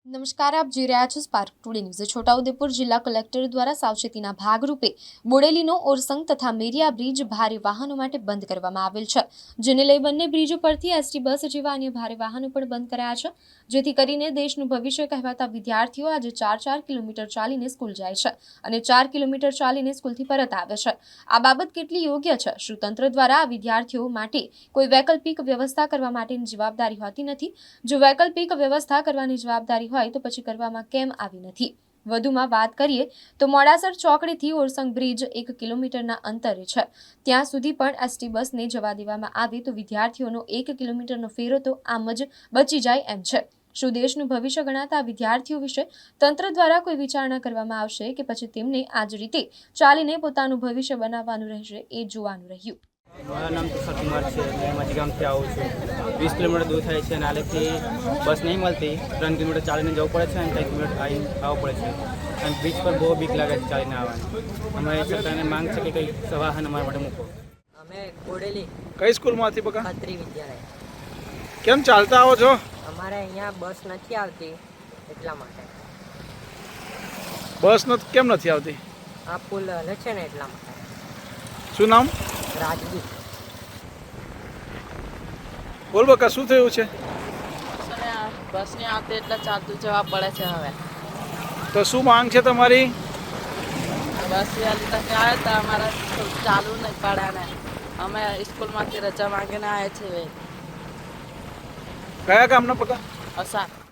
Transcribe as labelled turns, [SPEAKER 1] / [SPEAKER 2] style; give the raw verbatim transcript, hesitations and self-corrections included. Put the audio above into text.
[SPEAKER 1] નમસ્કાર, આપ જોઈ રહ્યા છો સ્પાર્ક ટુડે ન્યૂઝ। છોટાઉદેપુર જિલ્લા કલેક્ટર દ્વારા સાવચેતીના ભાગરૂપે બોડેલીનો ઓરસંગ તથા મેરિયા બ્રિજ ભારે વાહનો માટે બંધ કરવામાં આવેલ છે, જેને લઈ બંને બ્રિજો પરથી એસટી બસ જેવા અન્ય ભારે વાહનો પણ બંધ કરાયા છે, જેથી કરીને દેશનું ભવિષ્ય કહેવાતા વિદ્યાર્થીઓ આજે ચાર ચાર કિલોમીટર ચાલીને સ્કૂલ જાય છે અને ચાર કિલોમીટર ચાલીને સ્કૂલથી પરત આવે છે। આ બાબત કેટલી યોગ્ય છે? શું તંત્ર દ્વારા આ વિદ્યાર્થીઓ માટે કોઈ વૈકલ્પિક વ્યવસ્થા કરવા માટેની જવાબદારી હોતી નથી? જો વૈકલ્પિક વ્યવસ્થા કરવાની જવાબદારી હોય તો પછી કરવામાં કેમ આવી નથી? વધુમાં વાત કરીએ તો મોડાસર ચોકડીથી ઓરસંગ બ્રિજ એક કિલોમીટરના અંતરે છે, ત્યાં સુધી પણ એસટી બસને જવા દેવામાં આવે તો વિદ્યાર્થીઓનો એક કિલોમીટરનો ફેરો તો આમ જ બચી જાય એમ છે। શું દેશનું ભવિષ્ય ગણાતા વિદ્યાર્થીઓ વિશે તંત્ર દ્વારા કોઈ વિચારણા કરવામાં આવશે કે પછી તેમને આ જ રીતે ચાલીને પોતાનું ભવિષ્ય બનાવવાનું રહેશે, એ જોવાનું રહ્યું।
[SPEAKER 2] મારું નામ તુષાર કુમાર છે। मैं माझी ગામથી આવું છું। વીસ કિલોમીટર દૂર થાય છે અને આલેથી બસ નહીં મળતી, ત્રણ કિલોમીટર ચાલીને જવું પડે છે અને ત્રણ કિલોમીટર આવીને આવવું પડે છે અને બ્રિજ પર બહુ બીક લાગે છે ચાલીને આવવાની। અમારી સરકારને માંગ છે કે કંઈક સવાહન અમારા માટે મૂકો।
[SPEAKER 3] અમે બોડેલી
[SPEAKER 4] કઈ સ્કૂલમાંથી બકા?
[SPEAKER 3] ખત્રી વિદ્યાલય।
[SPEAKER 4] કેમ ચાલતા આવો છો?
[SPEAKER 3] અમારે અહીંયા બસ નથી આવતી એટલા માટે।
[SPEAKER 4] બસ નથી કેમ નથી આવતી?
[SPEAKER 3] આ પુલ હલે છે ને એટલા માટે।
[SPEAKER 4] શું નામ?
[SPEAKER 3] રાજદૂત।
[SPEAKER 4] બોલ બકા, શું થયું છે?
[SPEAKER 5] બસ નહીં આવતી એટલે ચાલતું જવા પડે છે હવે।
[SPEAKER 4] તો શું માંગ છે તમારી?
[SPEAKER 5] બસ વહેલી તકે આવે તો અમારે ચાલુ નહીં પડે ને અમે સ્કૂલમાંથી રજા માંગીને આવ્યા છીએ।
[SPEAKER 4] કયા ગામના બકા?
[SPEAKER 5] અસાર।